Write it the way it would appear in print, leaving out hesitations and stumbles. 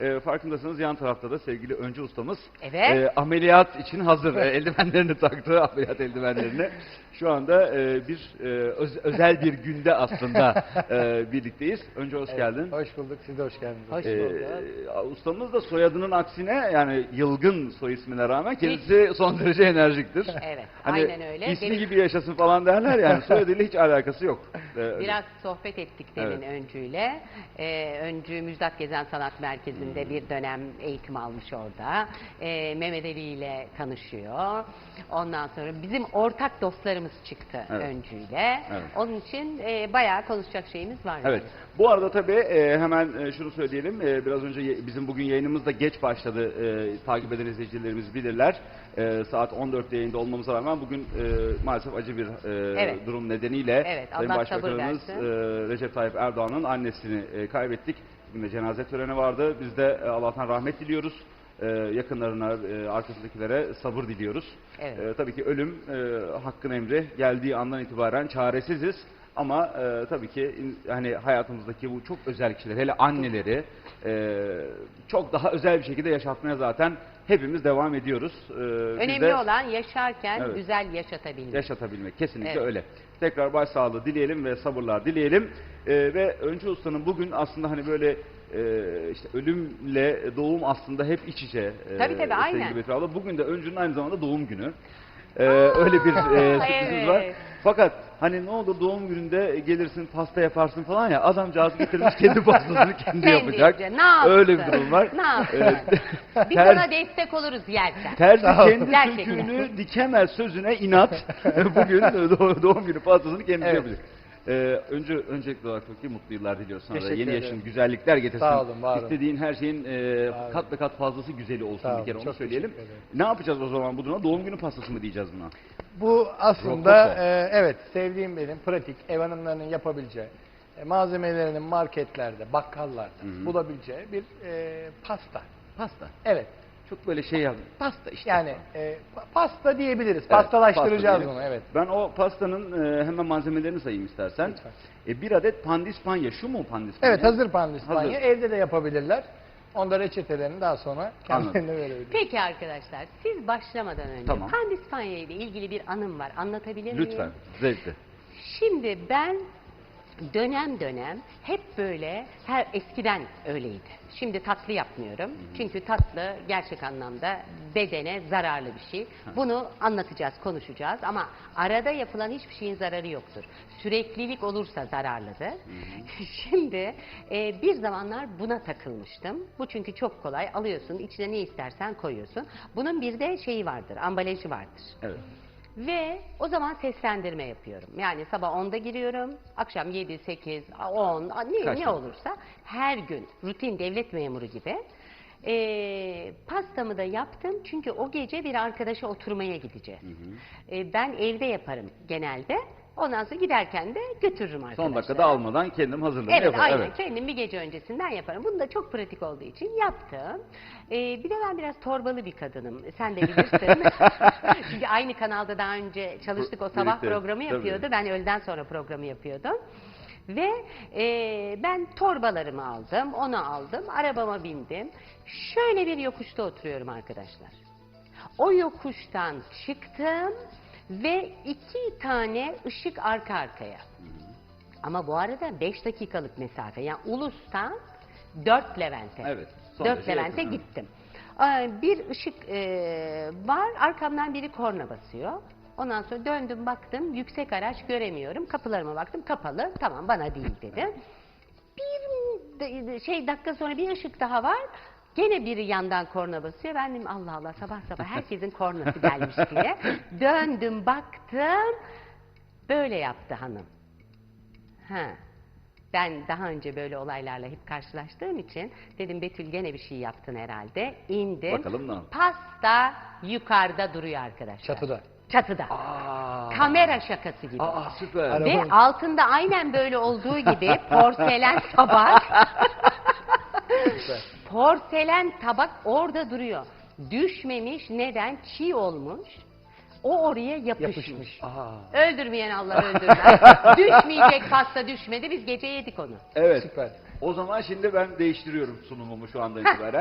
Farkındasınız yan tarafta da sevgili Öncü ustamız Evet. ameliyat için hazır. Eldivenlerini taktı, ameliyat eldivenlerini. Şu anda özel bir günde aslında birlikteyiz. Önce hoş geldin. Hoş bulduk, siz de hoş geldiniz. Hoş bulduk. Ustamız da soyadının aksine yani yılgın soy ismine rağmen kendisi son derece enerjiktir. Evet, Hani aynen öyle. ismi gibi yaşasın falan derler yani soyadıyla hiç alakası yok. Biraz sohbet ettik demin Öncü'yle. Öncü Müjdat Gezen Sanat Merkezi'nde bir dönem eğitim almış orada. Mehmet Ali ile tanışıyor. Ondan sonra bizim ortak dostlarımız çıktı Öncü'yle. Evet. Onun için bayağı konuşacak şeyimiz var. Evet. Bu arada tabii hemen şunu söyleyelim. Biraz önce bizim bugün yayınımız da geç başladı. Takip eden izleyicilerimiz bilirler. Saat 14'te yayında olmamıza rağmen bugün maalesef acı bir durum nedeniyle Sayın Allah Başbakanımız Recep Tayyip Erdoğan'ın annesini kaybettik. Bugün de cenaze töreni vardı. Biz de Allah'tan rahmet diliyoruz. Yakınlarına, arkasındakilere sabır diliyoruz. Evet. Tabii ki ölüm hakkın emri geldiği andan itibaren çaresiziz. Ama tabii ki hani hayatımızdaki bu çok özel kişiler, hele anneleri çok daha özel bir şekilde yaşatmaya zaten hepimiz devam ediyoruz. Önemli olan yaşarken güzel yaşatabilmek. Yaşatabilmek, kesinlikle öyle. Tekrar başsağlığı dileyelim ve sabırlar dileyelim. Ve Öncü Usta'nın bugün aslında hani böyle işte ölümle doğum aslında hep iç içe. Tabii aynen. Bugün de Öncü'nün aynı zamanda doğum günü. Öyle bir sürprizimiz var. Fakat hani ne olur doğum gününde gelirsin pasta yaparsın falan ya, adamcağız getirmiş kendi pastasını kendi yapacak. Öyle bir durum var. Ne yapsın? Biz ona destek oluruz yerken. Terzi kendi söküğünü dikemez sözüne inat. Bugün doğum günü pastasını kendisi yapacak. Öncelikli olarak çok iyi mutlu yıllar diliyoruz sana da. Yeni yaşın güzellikler getirsin. Sağ olun, var olun. İstediğin her şeyin kat ve kat fazlası güzeli olsun bir kere onu söyleyelim. Ne yapacağız o zaman bu duruma? Doğum günü pastası mı diyeceğiz buna? Bu aslında evet sevdiğim benim pratik ev hanımlarının yapabileceği malzemelerinin marketlerde, bakkallarda bulabileceği bir pasta. Pasta. Evet. Çok böyle şey yaptım. Pasta işte. Yani pasta diyebiliriz. Pastalaştıracağız pasta bunu. Evet. Ben o pastanın hemen malzemelerini sayayım istersen. Bir adet pandispanya. Şu mu pandispanya? Evet, hazır pandispanya. Hazır. Evde de yapabilirler. Onda reçetelerini daha sonra kendilerine verebiliriz. Peki arkadaşlar, siz başlamadan önce pandispanya ile ilgili bir anım var. Anlatabilir miyim? Lütfen. Zevkle. Şimdi ben dönem dönem hep böyle eskiden öyleydi. Şimdi tatlı yapmıyorum. Çünkü tatlı gerçek anlamda bedene zararlı bir şey. Bunu anlatacağız, konuşacağız ama arada yapılan hiçbir şeyin zararı yoktur. Süreklilik olursa zararlıdır. Şimdi bir zamanlar buna takılmıştım. Bu çünkü çok kolay. Alıyorsun, içine ne istersen koyuyorsun. Bunun bir de şeyi vardır, ambalajı vardır. Evet. Ve o zaman seslendirme yapıyorum. Yani sabah 10'da giriyorum, akşam 7, 8, 10, ne olursa her gün rutin devlet memuru gibi. Pastamı da yaptım çünkü o gece bir arkadaşa oturmaya gideceğiz. Ben evde yaparım genelde. Ondan sonra giderken de götürürüm arkadaşlara. Son dakikada almadan kendim hazırladım. Evet, aynen. Kendim bir gece öncesinden yaparım. Bunu da çok pratik olduğu için yaptım. Bir de ben biraz torbalı bir kadınım. Sen de bilirsin. Çünkü aynı kanalda daha önce çalıştık. O sabah programı yapıyordu. Ben öğleden sonra programı yapıyordum. Ve ben torbalarımı aldım, onu aldım, arabama bindim. Şöyle bir yokuşta oturuyorum arkadaşlar. O yokuştan çıktım ve 2 tane ışık arka arkaya. Ama bu arada 5 dakikalık mesafe. Yani Ulus'tan 4 Levent'e. Evet. 4 Levent'e gittim. Bir ışık var, arkamdan biri korna basıyor. Ondan sonra döndüm baktım, yüksek araç göremiyorum. Kapılarıma baktım, kapalı. Tamam, bana değil dedim. Bir dakika sonra bir ışık daha var. Gene biri yandan korna basıyor. Ben dedim Allah Allah, sabah sabah herkesin kornası gelmiş diye. Döndüm baktım. Böyle yaptı hanım. Ben daha önce böyle olaylarla hep karşılaştığım için dedim Betül gene bir şey yaptın herhalde. İndim. Bakalım ne yaptın? Pasta yukarıda duruyor arkadaşlar. Çatıda. Çatıda. Kamera şakası gibi. Süper. Ve altında aynen böyle olduğu gibi porselen tabak. Porselen tabak orada duruyor. Düşmemiş. Neden? Çiğ olmuş. O oraya yapışmış. Aa. Öldürmeyen Allah öldürmez. Düşmeyecek pasta düşmedi. Biz gece yedik onu. Evet. Süper. O zaman şimdi ben değiştiriyorum sunumumu şu andan itibaren.